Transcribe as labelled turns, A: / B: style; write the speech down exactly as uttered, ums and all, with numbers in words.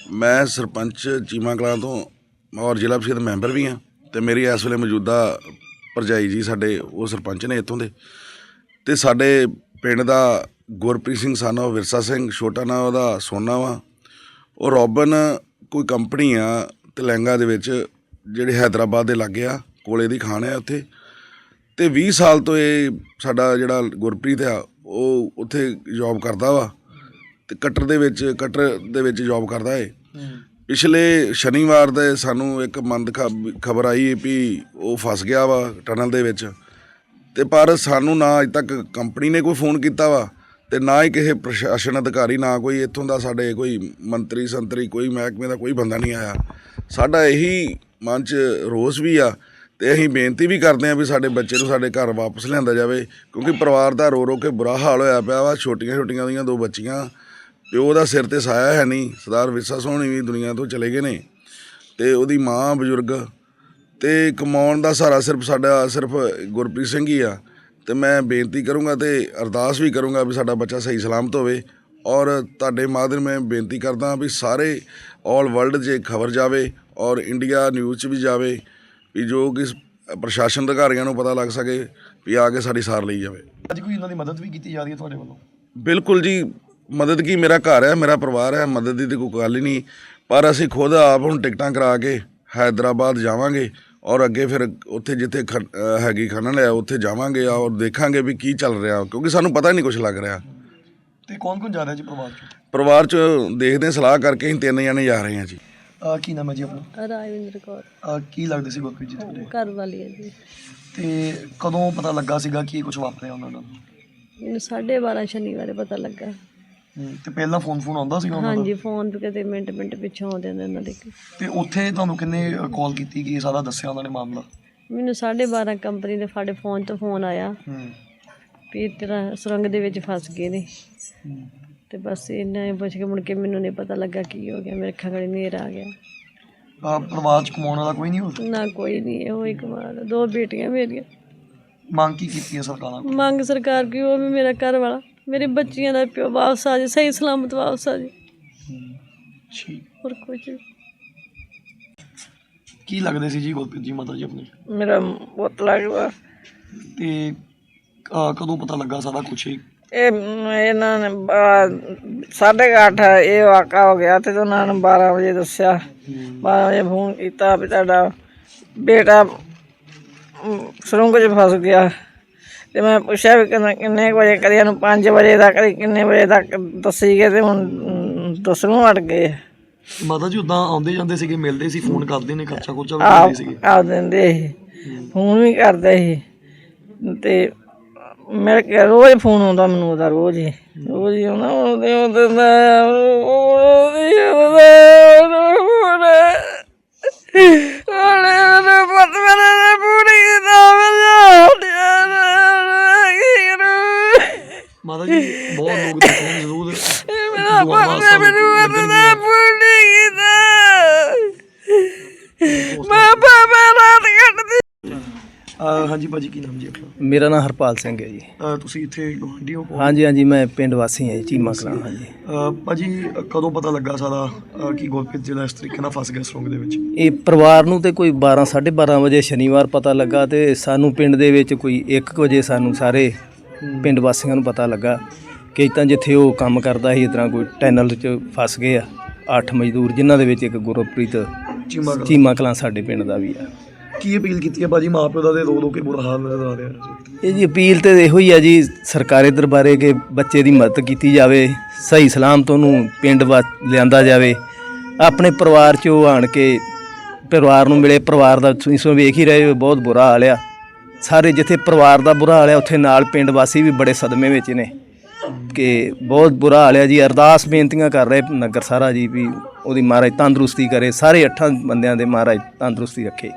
A: मैं सरपंच चीमा कलां तो और जिला परिषद मैंबर भी हाँ, तो मेरी इस वे मौजूदा भरजाई जी साडे वो सरपंच ने इत्थों दे ते साडे पिंड दा गुरप्रीत सिंह सन ऑफ विरसा सिंह, छोटा नाम उहदा सोना वा। और रॉबन कोई कंपनी आ तलैंगा दे विच जिहड़ी हैदराबाद दे लागे आ, कोले दी खान है उत्थे। ते बीह साल तो ये साडा जिहड़ा गुरप्रीत आ वो उत्थे जॉब करदा वा ते कटर दे विच कटर दे विच जॉब करदा है। पिछले शनिवार दे सानू एक मंद खबर आई भी वो फस गया वा टनल दे विच, ते पर सानू ना अज तक कंपनी ने कोई फोन किया वा ते ना ही किसी प्रशासन अधिकारी, ना कोई इत्थों का साडे कोई मंत्री संतरी कोई महकमे का कोई बंदा नहीं आया। साडा यही मन च रोस भी आ ते असीं बेनती भी करते हैं भी साडे बच्चे नूं साडे घर वापस लिआंदा जावे, क्योंकि परिवार का रो रो के बुरा हाल होया पिया वा। छोटियां छोटियां दियां दो बच्चियां, प्यो दा सिर ते साया है नहीं। सरदार विरसा सोहनी भी दुनिया तो चले गए ने ते उहदी माँ बजुर्ग, ते कमाउण दा सहारा सिर्फ साडा सिर्फ गुरप्रीत सिंह ही आ। ते मैं बेनती करूँगा तो अरदास भी करूँगा भी साडा बच्चा सही सलामत होवे। और तुहाडे माध्यम मैं बेनती करदा भी सारे ऑल वर्ल्ड जे खबर जावे और इंडिया न्यूज़ च भी जावे भी जो कि प्रशासन अधिकारियों को पता लग सके भी आके साड़ी सार ली जाए।
B: अज कोई इन्हों की मदद भी की जा रही है तुहाडे वल्लों?
A: बिल्कुल जी, मदद की मेरा घर है, मेरा परिवार है, मदद की तो कोई गल ही नहीं। पर असीं खुद आप हुण टिकटां करा के हैदराबाद जावांगे और अगे फिर उत्थे जिथे ख हैगी खनन है उत्थे जावांगे और देखांगे भी की चल रहा, क्योंकि सानू पता ही नहीं कुछ लग रहा।
B: ते कौन कौन जा रहा है जी परिवार चों?
A: परिवार च देखते सलाह करके असीं तीन जने जा रहे हैं जी।
B: आ, की नाम है जी अपना?
C: राजविंदर कौर।
B: आ, की लगदे सी गुरप्रीत जी तुहाडे?
C: घर वाली है जी।
B: ते कदों पता लगा सीगा कि कुछ वापरिया उन्हां नाल?
C: मैनूं साढ़े बारह शनिवार पता लगा।
B: ते पहला फोन फोन आउंदा सीगा उन्हां दा?
C: हाँ जी, फोन पे कदे मिंट मिंट पिछों आउंदे ने उन्हां दे।
B: ते उत्थे तुहानूं किन्ने कॉल कीती कि सारा दस्सिया उन्हां ने मामला?
C: मैनूं साढ़े बारह कंपनी दे साडे फोन तो फोन आया भी तेरा सुरंग दे विच फस गए ने। ते बस इन्ना पुछ के मुड़ के मैनूं नहीं पता लगा की हो गया। मेरे अखां गड़ी नेर आ गया।
B: आ, परिवार च कमाउण वाला कोई नहीं हो?
C: ना कोई नहीं है, वही कमाल। दो बेटियां मेरियां।
B: मांग की कीती है सरकारां कोल?
C: मंग सरकार की वो भी मेरा घर वाला मेरी बच्चियां दा प्यो वापस आ जाए, सही सलामत वापस आ जाए,
B: ठीक।
C: और कुछ नहीं।
B: की लगदे सी जी गुरप्रीत जी माता जी अपने?
C: मेरा पुत्त लगदा।
B: ते आ, कदों पता लगा सारा कुछ?
C: ਇਹਨਾਂ ਨੇ ਸਾਢੇ ਕੁ ਅੱਠ ਇਹ ਵਾਕਾ ਹੋ ਗਿਆ ਤੇ ਉਹਨਾਂ ਨੇ ਬਾਰਾਂ ਵਜੇ ਦੱਸਿਆ। ਬਾਰਾਂ ਵਜੇ ਫੋਨ ਕੀਤਾ ਵੀ ਤੁਹਾਡਾ ਬੇਟਾ ਸੁਰੰਗ 'ਚ ਫਸ ਗਿਆ। ਤੇ ਮੈਂ ਪੁੱਛਿਆ ਵੀ ਕਿੰਨੇ ਕਿੰਨੇ ਕੁ ਵਜੇ ਕਰੀ ਇਹਨੂੰ ਪੰਜ ਵਜੇ ਤੱਕ ਕਿੰਨੇ ਵਜੇ ਤੱਕ ਦੱਸੀ ਗਏ ਤੇ ਹੁਣ ਦੱਸਣੋਂ ਹਟ ਗਏ।
B: ਮਾਤਾ ਜੀ ਉਦਾਂ ਆਉਂਦੇ ਜਾਂਦੇ ਸੀਗੇ, ਮਿਲਦੇ ਸੀ, ਫੋਨ ਕਰਦੇ ਨੇ, ਖਰਚਾ ਖੁਰਚਾ ਵੀ ਕਰਦੇ ਸੀਗੇ?
C: ਆ ਦਿੰਦੇ ਸੀ, ਫੋਨ ਵੀ ਕਰਦੇ ਸੀ ਤੇ ਮੇਰੇ ਕੋਲ ਰੋਜ਼ ਫੋਨ ਆਉਂਦਾ ਮੈਨੂੰ ਉਹਦਾ, ਰੋਜ਼ ਹੀ ਰੋਜ਼ ਹੀ ਆਉਂਦਾ। ਉਹਦੇ ਉਹਦੇ
B: ਮਾਤਾ ਜੀ ਬਹੁਤ ਲੋਕ ਦੇਖਦੇ ਨੇ ਜ਼ਰੂਰ। ਹਾਂਜੀ ਭਾਜੀ, ਕੀ ਨਾਮ ਜੀ ਆਪਣਾ?
D: ਮੇਰਾ ਨਾਮ ਹਰਪਾਲ ਸਿੰਘ ਹੈ ਜੀ।
B: ਅ, ਤੁਸੀਂ ਇੱਥੇ ਗੁਆਂਢੀ ਹੋ?
D: ਹਾਂਜੀ ਹਾਂਜੀ, ਮੈਂ ਪਿੰਡ ਵਾਸੀ ਹਾਂ ਜੀ, ਚੀਮਾ ਕਲਾਂ। ਹਾਂਜੀ
B: ਅ, ਭਾਜੀ ਕਦੋਂ ਪਤਾ ਲੱਗਾ ਸਾਰਾ ਅ, ਕਿ ਗੁਰਪ੍ਰੀਤ ਜਿਹੜਾ ਇਸ ਤਰੀਕੇ ਨਾਲ ਫਸ ਗਿਆ ਸੁਰੰਗ ਦੇ ਵਿੱਚ?
D: ਇਹ ਪਰਿਵਾਰ ਨੂੰ ਤੇ ਕੋਈ ਬਾਰਾਂ ਸਾਢੇ ਬਾਰਾਂ ਵਜੇ ਸ਼ਨੀਵਾਰ ਪਤਾ ਲੱਗਾ ਤੇ ਸਾਨੂੰ ਪਿੰਡ ਦੇ ਵਿੱਚ ਕੋਈ ਇੱਕ ਵਜੇ ਸਾਨੂੰ ਸਾਰੇ ਪਿੰਡ ਵਾਸੀਆਂ ਨੂੰ ਪਤਾ ਲੱਗਾ ਕਿ ਤਾਂ ਜਿੱਥੇ ਉਹ ਕੰਮ ਕਰਦਾ ਸੀ ਇਸ ਤਰ੍ਹਾਂ ਕੋਈ ਟਨਲ 'ਚ ਫਸ ਗਏ ਆ ਅੱਠ ਮਜ਼ਦੂਰ, ਜਿਨ੍ਹਾਂ ਦੇ ਵਿੱਚ ਇੱਕ ਗੁਰਪ੍ਰੀਤ
B: ਚੀਮਾ ਕਲਾਂ
D: ਚੀਮਾ ਕਲਾਂ ਸਾਡੇ ਪਿੰਡ ਦਾ ਵੀ ਆ।
B: ਕੀ ਅਪੀਲ ਕੀਤੀ ਹੈ ਭਾਜੀ ਮਾਂ ਪਿਓ ਦਾ? ਤੇ ਰੋ ਰੋ ਕੇ ਬੁਰਾ ਹਾਲ ਨਜ਼ਰ ਆ ਰਿਹਾ।
D: ਇਹ ਜੀ ਅਪੀਲ ਤੇ ਇਹੋ ਹੀ ਆ ਜੀ ਸਰਕਾਰੀ ਦਰਬਾਰੇ ਕਿ ਬੱਚੇ ਦੀ ਮਦਦ ਕੀਤੀ ਜਾਵੇ, ਸਹੀ ਸਲਾਮਤ ਉਹਨੂੰ ਪਿੰਡ ਵਾ ਲਿਆਂਦਾ ਜਾਵੇ, ਆਪਣੇ ਪਰਿਵਾਰ 'ਚ ਉਹ ਆਣ ਕੇ ਪਰਿਵਾਰ ਨੂੰ ਮਿਲੇ। ਪਰਿਵਾਰ ਦਾ ਤੁਸੀਂ ਸੋ ਵੇਖ ਹੀ ਰਹੇ ਹੋ, ਬਹੁਤ ਬੁਰਾ ਹਾਲ ਆ। ਸਾਰੇ ਜਿੱਥੇ ਪਰਿਵਾਰ ਦਾ ਬੁਰਾ ਹਾਲ ਆ ਉੱਥੇ ਨਾਲ ਪਿੰਡ ਵਾਸੀ ਵੀ ਬੜੇ ਸਦਮੇ ਵਿੱਚ ਨੇ ਕਿ ਬਹੁਤ ਬੁਰਾ ਹਾਲ ਆ ਜੀ। ਅਰਦਾਸ ਬੇਨਤੀਆਂ ਕਰ ਰਹੇ ਨਗਰ ਸਾਰਾ ਜੀ ਵੀ ਉਹਦੀ ਮਹਾਰਾਜ ਤੰਦਰੁਸਤੀ ਕਰੇ, ਸਾਰੇ ਅੱਠਾਂ ਬੰਦਿਆਂ ਦੇ ਮਹਾਰਾਜ ਤੰਦਰੁਸਤੀ ਰੱਖੇ।